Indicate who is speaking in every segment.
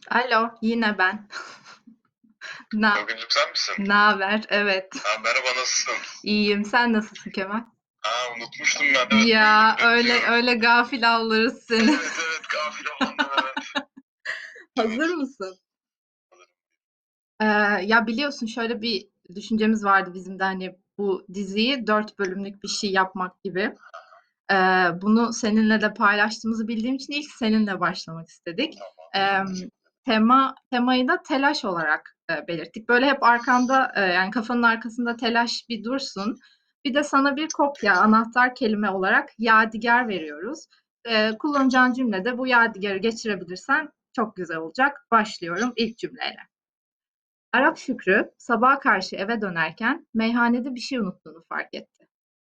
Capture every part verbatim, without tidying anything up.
Speaker 1: Alo, yine ben. Na
Speaker 2: Bugüncük sen misin?
Speaker 1: naber? Evet.
Speaker 2: Ha, merhaba, nasılsın?
Speaker 1: İyiyim. Sen nasılsın Kemal?
Speaker 2: Ha, unutmuştum ben. Evet,
Speaker 1: Ya
Speaker 2: buyur,
Speaker 1: öyle
Speaker 2: bekliyorum.
Speaker 1: öyle gafil avlarız seni.
Speaker 2: Evet, evet, gafil olanlar, evet.
Speaker 1: Hazır
Speaker 2: Evet.
Speaker 1: mısın? Ee, ya biliyorsun şöyle bir düşüncemiz vardı bizim de hani bu diziyi dört bölümlük bir şey yapmak gibi. Ee, bunu seninle de paylaştığımızı bildiğim için ilk seninle başlamak istedik. Ee, tema temayı da telaş olarak e, belirttik. Böyle hep arkanda e, yani kafanın arkasında telaş bir dursun. Bir de sana bir kopya anahtar kelime olarak yadigar veriyoruz. Ee, kullanacağın cümlede bu yadigarı geçirebilirsen çok güzel olacak. Başlıyorum ilk cümleyle. Arap Şükrü sabaha karşı eve dönerken meyhanede bir şey unuttuğunu fark etti.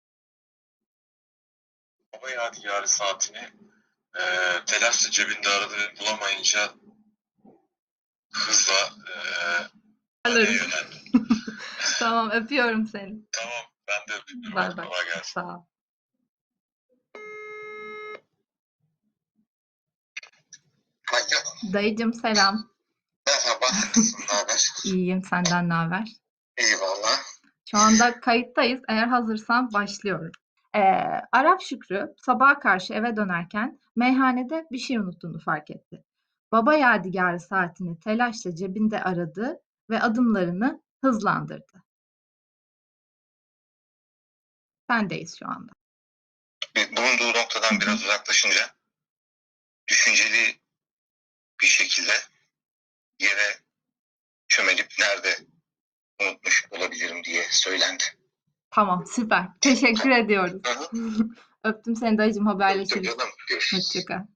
Speaker 2: Baba yadigarı saatini e, telaşla cebinde aradı ve bulamayınca hızla e, haneye
Speaker 1: Alırız.
Speaker 2: yöneldi.
Speaker 1: Tamam, öpüyorum seni.
Speaker 2: Tamam, ben de öpüyorum.
Speaker 1: Bay
Speaker 2: Hadi
Speaker 1: bay.
Speaker 2: kolay gelsin.
Speaker 1: Sağ ol.
Speaker 2: Alo.
Speaker 1: Dayıcım selam.
Speaker 2: Merhaba, nasılsın, ne haber?
Speaker 1: İyiyim, senden ne haber?
Speaker 2: Eyvallah.
Speaker 1: Şu anda kayıttayız. Eğer hazırsan başlıyorum. Ee, Arap Şükrü sabaha karşı eve dönerken meyhanede bir şey unuttuğunu fark etti. Baba yadigarı saatini telaşla cebinde aradı ve adımlarını hızlandırdı. Sendeyiz şu anda.
Speaker 2: Bulunduğu noktadan biraz uzaklaşınca düşünceli bir şekilde yere çömelip nerede unutmuş olabilirim diye söylendi.
Speaker 1: Tamam, süper. Teşekkür ediyoruz. Öptüm seni dayıcım, haberleşiriz.
Speaker 2: Canım, görüşürüz.
Speaker 1: Hoşça kal.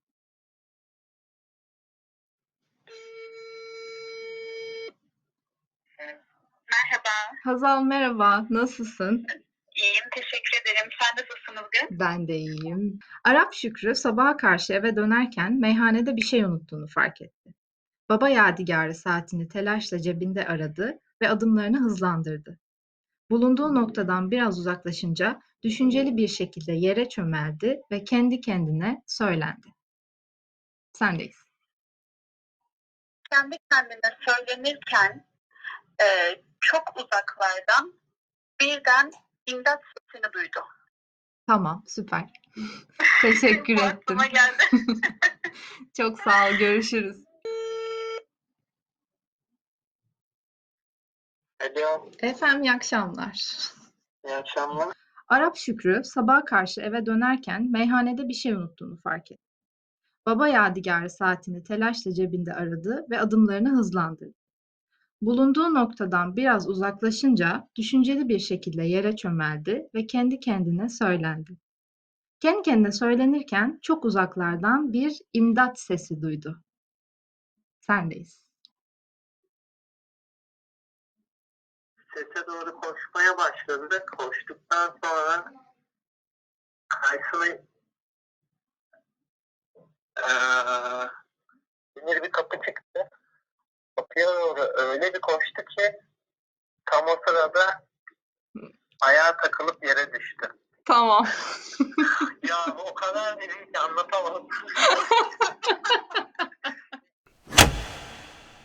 Speaker 3: Merhaba,
Speaker 1: Hazal merhaba, nasılsın?
Speaker 3: iyiyim. Teşekkür ederim. Sen nasılsın bugün?
Speaker 1: Ben de iyiyim. Arap Şükrü sabaha karşı eve dönerken meyhanede bir şey unuttuğunu fark etti. Baba yadigarı saatini telaşla cebinde aradı ve adımlarını hızlandırdı. Bulunduğu noktadan biraz uzaklaşınca düşünceli bir şekilde yere çömeldi ve kendi kendine söylendi. Sendeyiz.
Speaker 3: Kendi kendine söylenirken e, çok uzaklardan birden imdat sesini duydu.
Speaker 1: Tamam, süper. Teşekkür
Speaker 3: Bu
Speaker 1: ettim.
Speaker 3: aklıma geldi.
Speaker 1: Çok sağ ol, görüşürüz.
Speaker 3: Alo,
Speaker 1: Efendim, iyi akşamlar.
Speaker 3: iyi akşamlar.
Speaker 1: Arap Şükrü sabaha karşı eve dönerken meyhanede bir şey unuttuğunu fark etti. Baba yadigarı saatini telaşla cebinde aradı ve adımlarını hızlandırdı. Bulunduğu noktadan biraz uzaklaşınca düşünceli bir şekilde yere çömeldi ve kendi kendine söylendi. Kendi kendine söylenirken çok uzaklardan bir imdat sesi duydu. Sendeyiz.
Speaker 3: Sese doğru koşmaya başladı. Koştuktan sonra karşısına eee demir bir kapı çıktı. Kapıya doğru öyle bir koştu ki tam o sırada ayağa takılıp yere düştü.
Speaker 1: Tamam.
Speaker 3: Ya o kadar dedim ki anlatamam.